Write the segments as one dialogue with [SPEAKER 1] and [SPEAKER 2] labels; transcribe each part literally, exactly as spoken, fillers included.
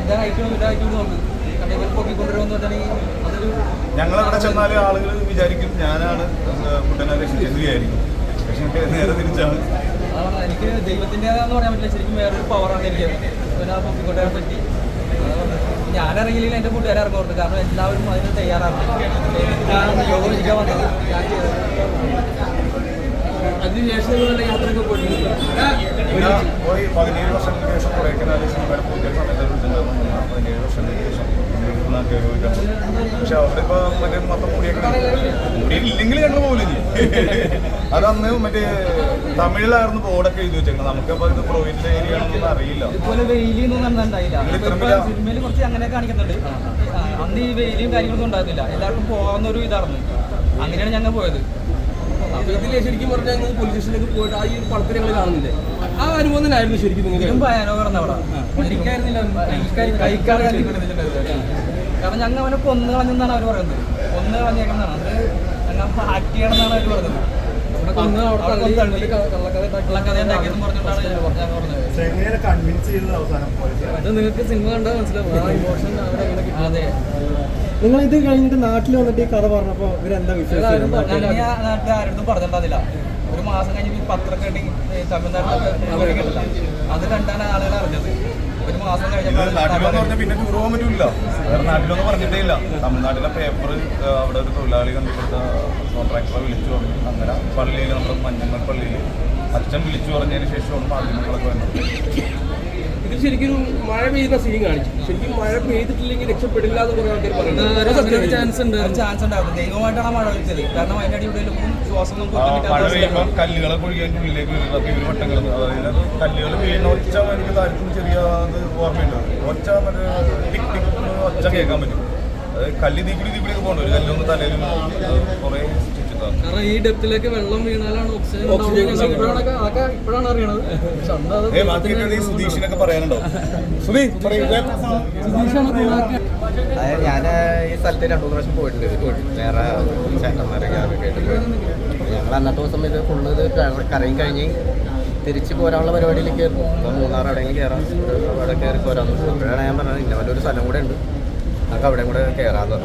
[SPEAKER 1] ഞങ്ങളവിടെ ചെന്നാലും ആളുകൾ വിചാരിക്കും ഞാനാണ് കുട്ടനെ രക്ഷിച്ചെന്ന് വിചാരിക്കും. പക്ഷെ നേരെ തിരിച്ചാണ്.
[SPEAKER 2] എനിക്ക് ദൈവത്തിൻ്റെതാന്ന് പറയാൻ പറ്റില്ല, ശരിക്കും വേറൊരു പവറാണ് എനിക്ക് പിന്നെ പൊക്കിക്കൊണ്ടേ പറ്റി. ഞാനിറങ്ങിയില്ലെങ്കിൽ എൻ്റെ കൂട്ടുകാരെ ഇറങ്ങുന്നുണ്ട്, കാരണം എല്ലാവരും അതിന് തയ്യാറാണ്. ഞാൻ യോഗ വിളിക്കാൻ വന്നത് ഞാൻ ചെയ്തത്. അതിനുശേഷം യാത്രയൊക്കെ പോയിട്ടുണ്ട്.
[SPEAKER 1] പോയി പതിനേഴ് വർഷങ്ങൾക്ക് ശേഷം കൊടൈക്കനാല് സിനിമയുടെ പുതിയ സമയത്ത് പതിനേഴ് വർഷങ്ങൾക്ക് ശേഷം പക്ഷെ അവിടെ ഇപ്പൊ മറ്റേ മൊത്തം മുടിയൊക്കെ മുടിയില്ലെങ്കിൽ ഞങ്ങൾ പോകില്ല. അതന്ന് മറ്റേ തമിഴിലായിരുന്നു ബോർഡൊക്കെ എഴുതി വെച്ചേക്കുന്നത്. നമുക്കപ്പോൾ ഇത് പ്രൊവിൻഷ്യൽ ഏരിയ ആണെന്നൊന്നും അറിയില്ല.
[SPEAKER 2] ഇതുപോലെ വെയിലൊന്നും കണ്ടിട്ടുണ്ടായില്ല. സിനിമയിൽ കുറച്ച് അങ്ങനെ കാണിക്കുന്നുണ്ട്. അന്ന് ഈ വെയിലും കാര്യങ്ങളൊന്നും ഉണ്ടായിരുന്നില്ല, എല്ലാവർക്കും പോകുന്ന ഒരു ഇതായിരുന്നു. അങ്ങനെയാണ് ഞങ്ങൾ പോയത്.
[SPEAKER 3] ഇതിലെ ശരിക്കും പറഞ്ഞാൽ ഞങ്ങൾ പോലീസ് സ്റ്റേഷനിലേക്ക് പോയിട്ട് ആ ഈ പടത്തിൽ ഞങ്ങൾ കാണുന്നില്ലേ, ആ അനുഭവം തന്നെയായിരുന്നു ശരിക്കും.
[SPEAKER 2] ഇതിലും ഭയാനകർന്ന് അവിടെ കാരണം ഞങ്ങൾ അവനെ കൊന്നു കളഞ്ഞെന്നാണ് അവർ പറയുന്നത്. കൊന്നു കളഞ്ഞേക്കുന്നതാണ് അത് ഞങ്ങൾ ആക്ട് ചെയ്യണമെന്നാണ് അവർ പറയുന്നത്. കള്ളക്കഥ ഉണ്ടാക്കിയെന്ന് പറഞ്ഞിട്ടാണ് ഞങ്ങൾ പറഞ്ഞത്.
[SPEAKER 3] അത് നിങ്ങൾക്ക് സിനിമ കണ്ടാൽ മനസ്സിലാവും ആ ഇമോഷൻ അവരങ്ങനെ കിട്ടും.
[SPEAKER 2] അതെ,
[SPEAKER 4] നിങ്ങൾ ഇത് കഴിഞ്ഞിട്ട് നാട്ടിൽ വന്നിട്ട് ഈ കഥ പറഞ്ഞപ്പോൾ ഇവരെന്താ വിശ്വാസം?
[SPEAKER 2] നാട്ടിൽ ആരോടും പറഞ്ഞിട്ടുണ്ടാവില്ല. ഒരു മാസം കഴിഞ്ഞ് പത്രമൊക്കെ ഉണ്ടെങ്കിൽ തമിഴ്നാട്ടിലൊക്കെ കിട്ടില്ല. അത് കണ്ടാണ് ആളുകൾ അറിഞ്ഞത്. ഒരു മാസം
[SPEAKER 1] കഴിഞ്ഞാൽ പിന്നെ ടൂർ പോകാൻ പറ്റൂല. വേറെ നാട്ടിലൊന്നും പറഞ്ഞിട്ടേ ഇല്ല. തമിഴ്നാട്ടിലെ പേപ്പർ അവിടെ ഒരു തൊഴിലാളി കണ്ടുപിടുത്ത കോൺട്രാക്ടറെ വിളിച്ചു പറഞ്ഞു. അങ്ങനെ പള്ളിയിൽ നമ്മുടെ മഞ്ഞമ്മൽ പള്ളിയിൽ അച്ഛൻ വിളിച്ചു പറഞ്ഞതിന് ശേഷമാണ് മാധ്യമങ്ങളൊക്കെ വന്നത്.
[SPEAKER 3] ഇത് ശരിക്കും മഴ പെയ്യുന്ന സീൻ കാണിച്ചു. ശരിക്കും മഴ പെയ്തിട്ടില്ലെങ്കിൽ രക്ഷപ്പെടില്ല എന്ന് കുറേ ആൾക്കാർ പറയുന്നത് ചാൻസ് ഉണ്ട്
[SPEAKER 2] ചാൻസ് ഉണ്ടായിരുന്നു. ദൈവമായിട്ടാണ് മഴ പെയ്ച്ചത്. കാരണം അതിൻ്റെ അടിയിലൊന്നും ശ്വാസം
[SPEAKER 1] മഴ പെയ്യുമ്പോൾ കല്ലുകളെ പൊഴിക്കാൻ ഉള്ളിലേക്ക് വീഴുന്നത് ഇവർ വട്ടങ്ങൾ. അതായത് കല്ലുകൾ വീഴുന്ന ഒച്ച എനിക്ക് താല്പര്യം ചെറിയ അത് ഓർമ്മയുണ്ട്. ഒച്ച മറ്റേ ടിക് ടിക് ഒച്ച കേൾക്കാൻ പറ്റും. അത് കല്ല് തീക്കുടി തീക്കുടിയൊക്കെ പോകണ്ട. ഒരു കല്ലൊന്ന് തലയിൽ കുറേ
[SPEAKER 3] കാരണം ഈ ഡെപ്തിലേക്ക് വെള്ളം വീണാലാണ് ഓക്സിജൻ ഇപ്പോഴാണ് അറിയണത്.
[SPEAKER 1] സുധീഷിനൊക്കെ പറയാനുണ്ടോ?
[SPEAKER 5] അതായത് ഞാൻ ഈ സ്ഥലത്ത് രണ്ടു മൂന്ന് പ്രാവശ്യം പോയിട്ടുണ്ട്. വേറെ ചേട്ടന്മാരൊക്കെ ആയിട്ട് ഞങ്ങൾ അന്നത്തെ ദിവസം ഇത് ഫുള്ള് ഇത് കറങ്ങി കഴിഞ്ഞ് തിരിച്ച് പോരാനുള്ള പരിപാടിയിലേക്ക് കയറും. അപ്പോൾ മൂന്നാർ എവിടെയെങ്കിലും കയറാം, അവിടെ കയറി പോരാം. അപ്പോഴാണ് ഞാൻ പറഞ്ഞത് ഇന്ന വല്ലൊരു സ്ഥലം കൂടെ ഉണ്ട്, നമുക്ക് അവിടെ കൂടെ കയറാന്ന്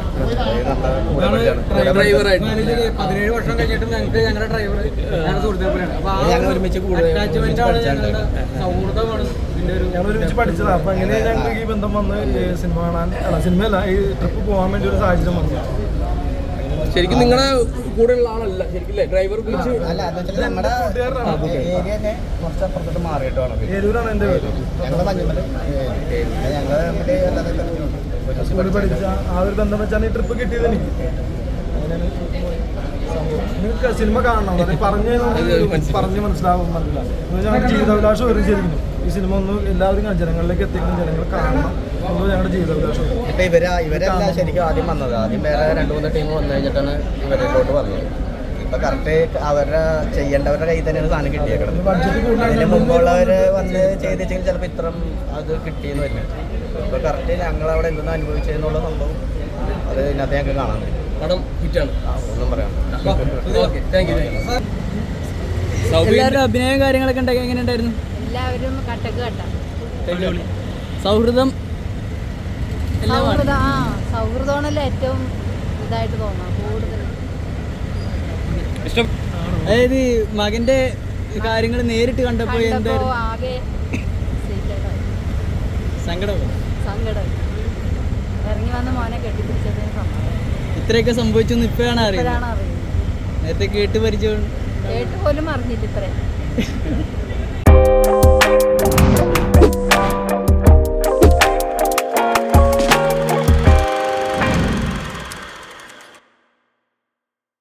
[SPEAKER 2] പതിനേഴ് വർഷം കഴിഞ്ഞിട്ട് ഞങ്ങൾക്ക് ഞങ്ങളുടെ ഡ്രൈവർ ഞങ്ങളുടെ സുഹൃത്തുക്കളാണ്.
[SPEAKER 5] ഞങ്ങൾ ഒരുമിച്ച്
[SPEAKER 2] സൗഹൃദമാണ് ഇതിൻ്റെ ഒരു
[SPEAKER 4] ഞങ്ങൾ ഒരുമിച്ച് പഠിച്ചതാണ്. അപ്പം എങ്ങനെ ഞങ്ങൾക്ക് ഈ ബന്ധം വന്ന് സിനിമ കാണാൻ അല്ല സിനിമയല്ല ഈ ട്രിപ്പ് പോകാൻ വേണ്ടി ഒരു സാഹചര്യം വന്നു.
[SPEAKER 3] ശരിക്കും നിങ്ങളുടെ കൂടെ ഉള്ള ആളല്ല ശരിക്കും ഡ്രൈവർ വിളിച്ച്
[SPEAKER 5] അല്ല നമ്മുടെ ഏരിയ തന്നെ കുറച്ച് അപ്പുറത്തോട്ട് മാറിയിട്ടാണ്.
[SPEAKER 4] ഏരൂരാണ് എൻ്റെ പേര്.
[SPEAKER 5] ഞങ്ങൾ മഞ്ഞമ്മൽ ഞങ്ങൾ മറ്റേ അല്ലാതെ
[SPEAKER 4] സ്കൂളിൽ പഠിച്ച ആ ഒരു ബന്ധം വെച്ചാണ് ഈ ട്രിപ്പ് കിട്ടിയത് എനിക്ക്. അങ്ങനെയാണ് സംഭവം. നിങ്ങൾക്ക് സിനിമ കാണണം, അത് പറഞ്ഞ് പറഞ്ഞ് മനസ്സിലാവും മനസ്സിലാവും. ഞങ്ങളുടെ ജീവിതാഭിലാഷം ഒരുമിച്ചിരിക്കുന്നു. ഈ സിനിമ ഒന്ന് എല്ലാവരും ജനങ്ങളിലേക്ക് എത്തിക്കണം, ജനങ്ങൾ കാണണം എന്നത് ഞങ്ങളുടെ ജീവിതാഭിലാഷം.
[SPEAKER 5] ഇപ്പം ഇവർ ഇവരല്ല ശരിക്കും ആദ്യം വന്നത്. ആദ്യം വേറെ രണ്ട് മൂന്ന് ടീം വന്നു കഴിഞ്ഞിട്ടാണ് ഇവരിലോട്ട് വന്നത്. ഇപ്പം കറക്റ്റ് അവരുടെ ചെയ്യേണ്ടവരുടെ കയ്യിൽ തന്നെയാണ് സാധനം കിട്ടിയേക്കുന്നത്. അതിന് മുമ്പുള്ളവർ വന്ന് ചെയ്തെങ്കിൽ ചിലപ്പോൾ ഇത്രയും അത് കിട്ടിയെന്ന് വരില്ല. ഇപ്പോൾ കറക്റ്റ് ഞങ്ങളവിടെ എന്തെന്ന് അനുഭവിച്ചതെന്നുള്ള സംഭവം അത് ഇതിനകത്ത് ഞങ്ങൾക്ക് കാണാൻ പറ്റും.
[SPEAKER 3] പടം ഹിറ്റാണ്,
[SPEAKER 5] ഒന്നും പറയാം.
[SPEAKER 2] എല്ലാവരും അഭിനയം കാര്യങ്ങളൊക്കെ ഉണ്ടാക്കി എങ്ങനെ ഉണ്ടായിരുന്നു?
[SPEAKER 6] എല്ലാവരും കട്ടക്ക് കട്ട
[SPEAKER 2] സൗഹൃദം
[SPEAKER 6] സൗഹൃദം ആ സൗഹൃദമാണല്ലോ ഏറ്റവും ഇതായിട്ട് തോന്നാം കൂടുതൽ.
[SPEAKER 2] അതായത് മകന്റെ കാര്യങ്ങൾ നേരിട്ട് കണ്ടപ്പോ എന്തായിരുന്നു
[SPEAKER 6] ആകെ
[SPEAKER 2] സങ്കടം
[SPEAKER 6] സങ്കടം ഇറങ്ങി വന്ന മോനെ കെട്ടിപ്പിടിച്ചതിന് സമ്മതം.
[SPEAKER 2] ഇത്രയൊക്കെ സംഭവിച്ചു ഇപ്പോഴാണ് അറിയുന്നത്.
[SPEAKER 6] അറിയുന്നത്
[SPEAKER 2] നേരത്തെ കേട്ട് പരിചയം
[SPEAKER 6] കേട്ട് പോലും അറിഞ്ഞില്ല ഇത്രയും.